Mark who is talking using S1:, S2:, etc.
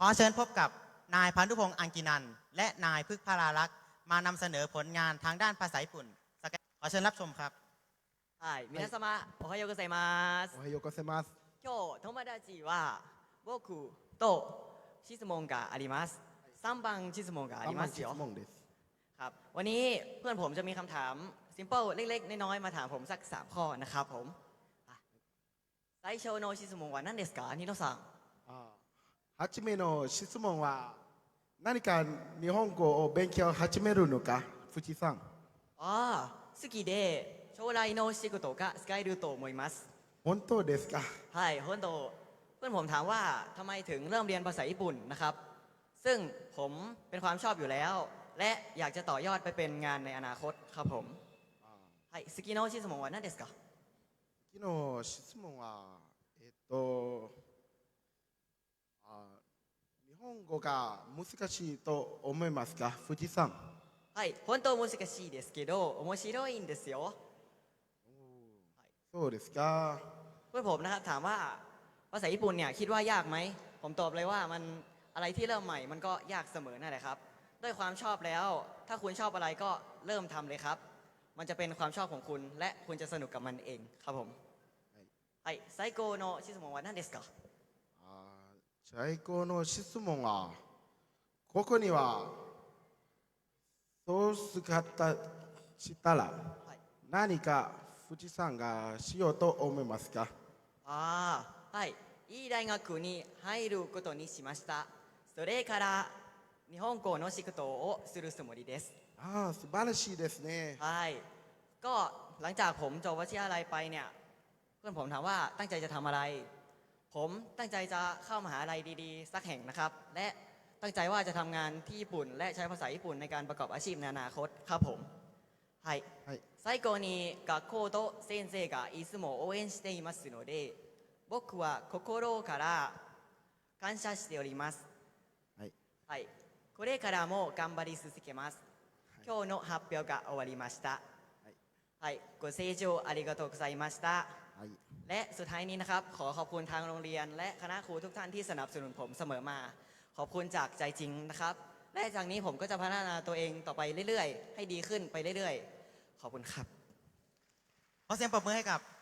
S1: อเชิญพบกับนายพันธุพงษ์อังกินันท์และนายพึกษ์พาราลักษ์มานำเสนอผลงานทางด้านภาษาญี่ปุ่นขอเชิญรับชมครับ
S2: はい、皆様、おはようございます。
S3: おはようございます。
S2: 今日、友達は僕と質問があります。3番質問がありますよ。
S3: 質問です。
S2: ครับ วันนี้เพื่อนผมจะมีคำถาม simple เล็กๆน้อยๆมาถามผมสัก3ข้อนะครับผม最初の質問は何ですかニノさん。
S3: 初めの質問は何か日本語を勉強始めるのか、藤さん。
S2: 好きで将来の仕事が使えると思います。
S3: 本当ですか。
S2: はい本当เพื่อนผมถามว่าทำไมถึงเริ่มเรียนภาษาญี่ปุ่นนะครับ ซึ่งผมเป็นความชอบอยู่แล้ว และอยากจะต่อยอดไปเป็นงานในอนาคตครับผมはい好きな質問は何ですか
S3: 次の質問は日本語が難しいと思いますか、藤さん。
S2: はい本当難しいですけど面白いんですよ。
S3: そうですか。
S2: เพื่อนผมนะครับถามว่าภาษาญี่ปุ่นเนี่ยคิดว่ายากไหมผมตอบเลยว่ามันอะไรที่เริ่มใหม่มันก็ยากเสมอนั่นแหละครับด้วยความชอบแล้วถ้าคุณชอบอะไรก็เริ่มทำเลยครับมันจะเป็นความชอบของคุณและคุณจะสนุกกับมันเองครับผมはい最高の質問は何ですか
S3: 最高の質問はここにはそう姿したら何か藤さんがしようと思いますか。
S2: はいいい大学に入ることにしました。それから日本語の仕事をするつもりです。
S3: 素晴らしいですね。
S2: はいก็หลังจากผมจบวิทยาลัยไปเนี่ยเพื่อนผมถามว่าตั้งใจจะทำอะไรผมตั้งใจจะเข้ามหาลัยดีๆสักแห่งนะครับและตั้งใจว่าจะทำงานที่ญี่ปุ่นและใช้ภาษาญี่ปุ่นในการประกอบอาชีพในอนาคตครับผมはい最後に学校と先生がいつも応援していますので僕は心から感謝しておりますはいこれからも頑張り続けます今日の発表が終わりましたはいご清聴ありがとうございましたและสุดท้ายนี้นะครับขอขอบคุณทางโรงเรียนและคณะครูทุกท่านที่สนับสนุนผมเสมอมาขอบคุณจากใจจริงนะครับและจากนี้ผมก็จะพัฒนาตัวเองต่อไปเรื่อยๆให้ดีขึ้นไปเรื่อยๆขอบคุณครับ
S1: ขอเสียงปรบมือให้กับ